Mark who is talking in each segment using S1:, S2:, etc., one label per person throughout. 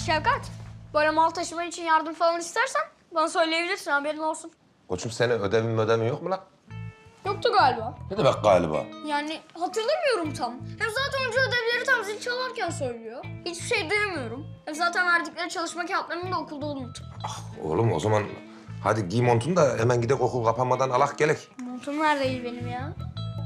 S1: Şevkat, böyle mal taşıman için yardım falan istersen bana söyleyebilirsin, haberin olsun.
S2: Koçum senin ödevin yok mu lan?
S1: Yoktu galiba.
S2: Ne demek galiba?
S1: Yani hatırlamıyorum tam. Hem zaten hoca ödevleri tam zil çalarken söylüyor. Hiçbir şey duyamıyorum. Hem zaten verdikleri çalışma kağıtlarını da okulda unuttum.
S2: Oğlum o zaman hadi giy montunu da hemen gidek okul kapanmadan alak gelek.
S1: Montum neredeydi benim ya?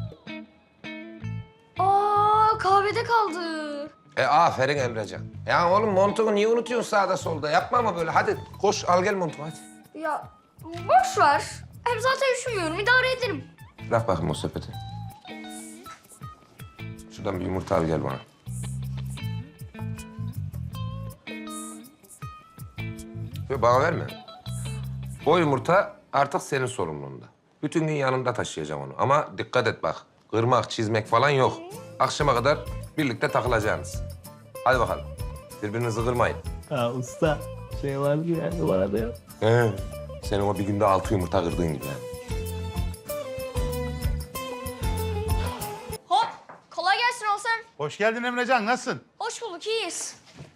S1: Aa, kahvede kaldı.
S2: Aferin Emrecan. Ya oğlum montunu niye unutuyorsun sağda solda? Yapma ama böyle. Hadi koş al gel montunu hadi.
S1: Ya boş ver. Hem zaten üşümüyorum, idare ederim.
S2: Bırak bakayım o sepeti. Şuradan bir yumurta al gel bana. Yok bana verme. O yumurta artık senin sorumluluğunda. Bütün gün yanımda taşıyacağım onu. Ama dikkat et bak. Kırmak, çizmek falan yok. Akşama kadar birlikte takılacaksınız. Hadi bakalım. Birbirinizi kırmayın.
S3: Ha usta şey vardı ya bana da yok.
S2: Senin o bir günde 6 yumurta kırdığın gibi yani.
S1: Hop, kolay gelsin Olsen.
S4: Hoş geldin Emrecan, nasılsın?
S1: Hoş bulduk, iyiyiz.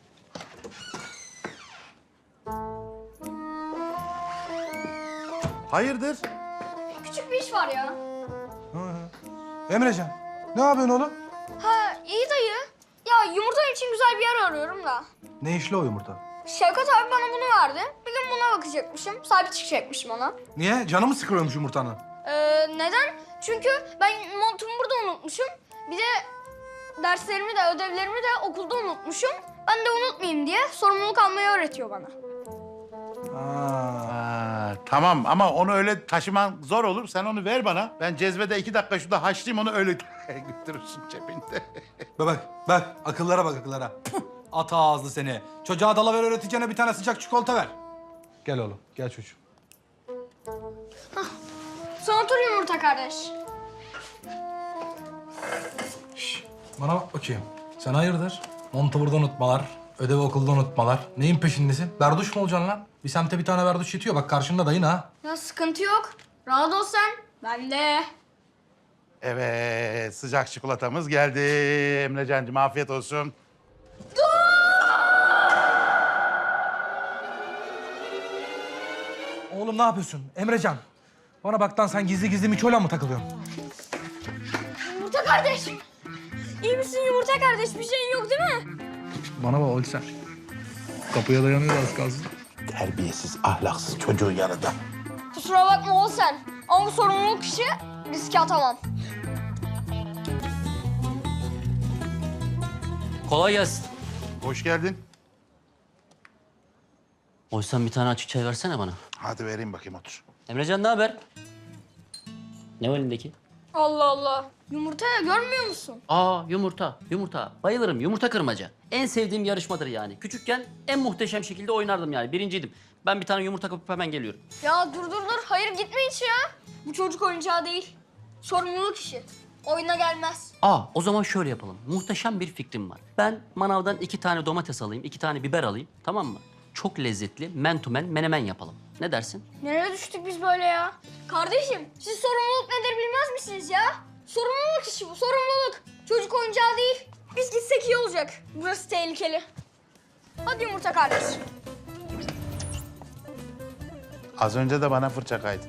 S4: Hayırdır?
S1: Küçük bir iş var ya.
S5: Emrecan, ne yapıyorsun oğlum?
S1: Ha, iyi dayı. Ya yumurta için güzel bir yer arıyorum da.
S5: Ne işli o yumurta?
S1: Şevkat abi bana bunu verdi. Bir gün buna bakacakmışım. Sahip çıkacakmışım ona.
S5: Niye? Canı mı sıkılıyormuş yumurtanın?
S1: Neden? Çünkü ben montumu burada unutmuşum. Bir de derslerimi de ödevlerimi de okulda unutmuşum. Ben de unutmayayım diye sorumluluk almayı öğretiyor bana.
S4: Tamam ama onu öyle taşıman zor olur. Sen onu ver bana. Ben cezvede 2 dakika şurada haşlayayım onu öyle götürürsün cebinde.
S5: Bak, akıllara bak akıllara. Puh, ata ağızlı seni. Çocuğa dalaver öğreteceğine bir tane sıcak çikolata ver. Gel oğlum, gel çocuğum.
S1: Son otur yumurta kardeş.
S5: Bana bak bakayım. Sen hayırdır? Montu burada unutmalar, ödevi okulda unutmalar. Neyin peşindesin? Berduş mu olacaksın lan? Bir semte bir tane berduş yetiyor. Bak karşında dayın ha.
S1: Ya sıkıntı yok. Rahat ol sen. Ben de.
S4: Evet, sıcak çikolatamız geldi. Emrecancığım afiyet olsun.
S5: Oğlum ne yapıyorsun? Emrecan. Bana bak lan sen gizli gizli Miço'yla mı takılıyorsun?
S1: Yumurta kardeş. İyi misin yumurta kardeş? Bir şeyin yok değil mi?
S5: Bana bak Olsen. Kapıya dayanıyor az kalsın.
S4: Terbiyesiz, ahlaksız çocuğun yanında.
S1: Kusura bakma ol sen. Ama bu sorumluluk işi riske atamam.
S6: Kolay gelsin.
S4: Hoş geldin.
S6: Oysan bir tane açık çay versene bana.
S4: Hadi vereyim bakayım otur.
S6: Emrecan ne haber? Ne o elindeki?
S1: Allah Allah. Yumurta ya görmüyor musun?
S6: Aa yumurta, yumurta. Bayılırım, yumurta kırmaca. En sevdiğim yarışmadır yani. Küçükken en muhteşem şekilde oynardım yani. Birinciydim. Ben bir tane yumurta kapıp hemen geliyorum.
S1: Ya dur. Hayır gitme hiç ya. Bu çocuk oyuncağı değil. Sorumluluk işi. Oyuna gelmez.
S6: O zaman şöyle yapalım. Muhteşem bir fikrim var. Ben manavdan 2 tane domates alayım, 2 tane biber alayım. Tamam mı? Çok lezzetli men to men menemen yapalım. Ne dersin?
S1: Nereye düştük biz böyle ya? Kardeşim siz sorumluluk nedir bilmez misiniz ya? Sorumluluk işi bu, sorumluluk. Çocuk oyuncağı değil. Biz gitsek iyi olacak. Burası tehlikeli. Hadi yumurta kardeş.
S4: Az önce de bana fırça kaydı.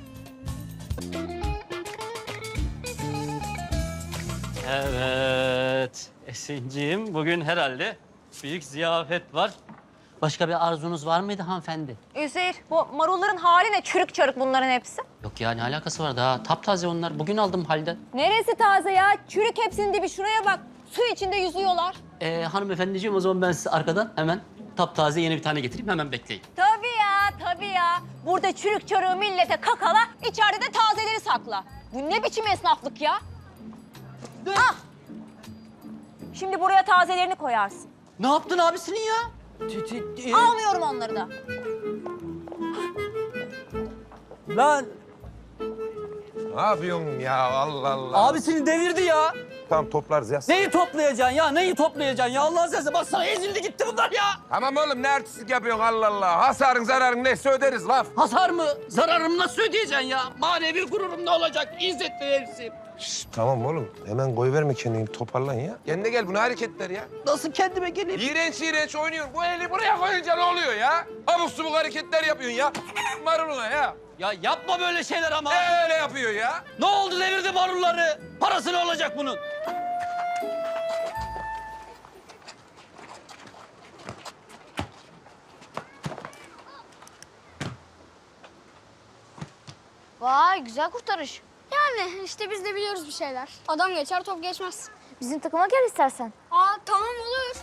S6: Evet. Esinciğim bugün herhalde büyük ziyafet var. Başka bir arzunuz var mıydı hanımefendi?
S7: Üzeyir, bu marulların hali ne? Çürük çarık bunların hepsi.
S6: Yok ya ne alakası var daha taptaze onlar. Bugün aldım halde.
S7: Neresi taze ya? Çürük hepsinin dibi. Şuraya bak. Su içinde yüzüyorlar.
S6: Hanımefendiciğim o zaman ben size arkadan hemen taptaze yeni bir tane getireyim hemen bekleyin.
S7: Tabii ya. Burada çürük çarığı millete kakala, içeride de tazeleri sakla. Bu ne biçim esnaflık ya? Ah! Şimdi buraya tazelerini koyarsın.
S6: Ne yaptın abisinin ya?
S7: Almıyorum onları da.
S3: Lan
S2: Ne yapıyorsun ya Allah Allah.
S3: abisini devirdi ya.
S2: tamam toplarız ya.
S8: Neyi toplayacaksın ya? Neyi toplayacaksın ya? Allah'ın sesi bak sana ezildi gitti bunlar ya.
S2: Tamam oğlum ne artistlik yapıyorsun Allah Allah. Hasarın zararın neyse öderiz laf.
S8: Hasar mı? Zararımı nasıl ödeyeceksin ya? Manevi gururum ne olacak? İzzetli herifim.
S2: Şşt, tamam oğlum hemen koyuverme kendini toparlan ya. Kendine gel bu ne hareketler ya.
S8: Nasıl kendime geleyim?
S2: İğrenç oynuyorsun. Bu eli buraya koyunca ne oluyor ya? Abuk subuk hareketler yapıyorsun ya. Maruluna ya.
S8: Ya yapma böyle şeyler ama.
S2: Öyle yapıyor ya.
S8: Ne oldu devirdi marulları? Parası ne olacak bunun?
S1: Vay güzel kurtarış. Yani işte biz de biliyoruz bir şeyler. Adam geçer top geçmez.
S9: Bizim takıma gel istersen.
S1: Aa tamam olur.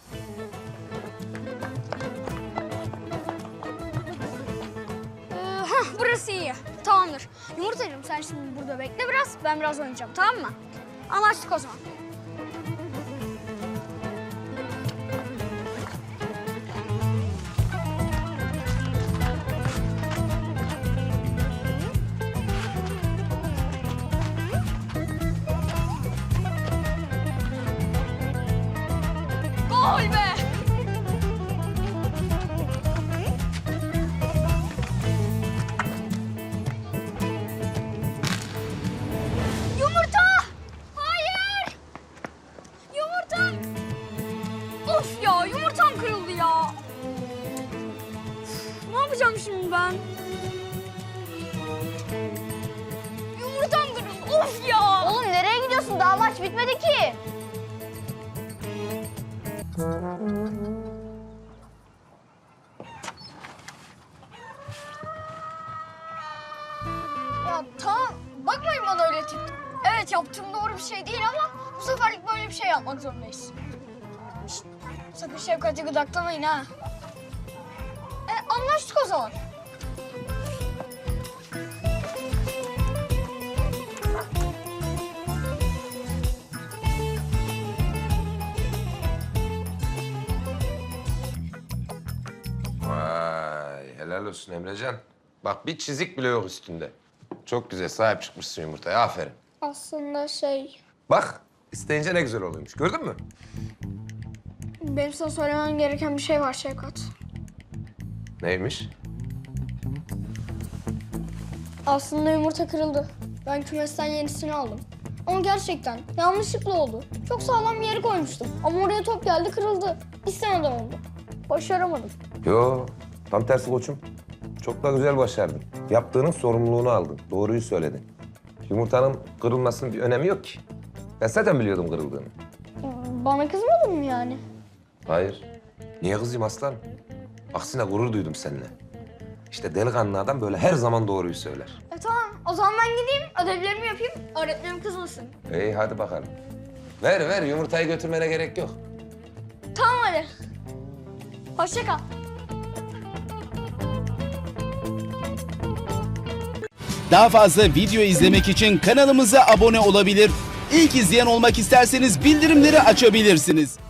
S1: Burası iyi. Tamamdır. Yumurtacığım sen şimdi burada bekle biraz. Ben biraz oynayacağım tamam mı? Anlaştık o zaman. Gol be! Yumurta! Hayır! Yumurtam! Of ya yumurtam kırıldı ya. Üf, ne yapacağım şimdi ben? Yumurtam kırıldı. Of ya!
S9: Oğlum nereye gidiyorsun? Daha maç bitmedi ki.
S1: Ya tamam bakmayın bana öyle tip. Evet yaptığım doğru bir şey değil ama bu seferlik böyle bir şey yapmak zorundayız. Şişt, sakın Şefkat'i gıdaklamayın ha. Anlaştık o zaman.
S2: Vay helal olsun Emrecan. Bak bir çizik bile yok üstünde. Çok güzel sahip çıkmışsın yumurtaya aferin.
S1: Aslında
S2: Bak isteyince ne güzel oluyormuş gördün mü?
S1: benim sana söylemem gereken bir şey var Şefkat.
S2: Neymiş?
S1: Aslında yumurta kırıldı. Ben kümesten yenisini aldım. Ama gerçekten yanlışlıkla oldu. Çok sağlam bir yere koymuştum. Ama oraya top geldi kırıldı. İstemeden oldu. Başaramadım.
S2: Yo tam tersi koçum. Çok da güzel başardın. Yaptığının sorumluluğunu aldın. Doğruyu söyledin. Yumurtanın kırılmasının bir önemi yok ki. Ben zaten biliyordum kırıldığını.
S1: Bana kızmadın mı yani?
S2: Hayır. Niye kızayım aslanım? Aksine gurur duydum seninle. İşte delikanlı adam böyle her zaman doğruyu söyler.
S1: Tamam. O zaman ben gideyim, ödevlerimi yapayım. Öğretmenim kızmasın.
S2: İyi hadi bakalım. Ver yumurtayı götürmene gerek yok.
S1: Tamam hadi. Hoşça kal.
S10: Daha fazla video izlemek için kanalımıza abone olabilir. İlk izleyen olmak isterseniz bildirimleri açabilirsiniz.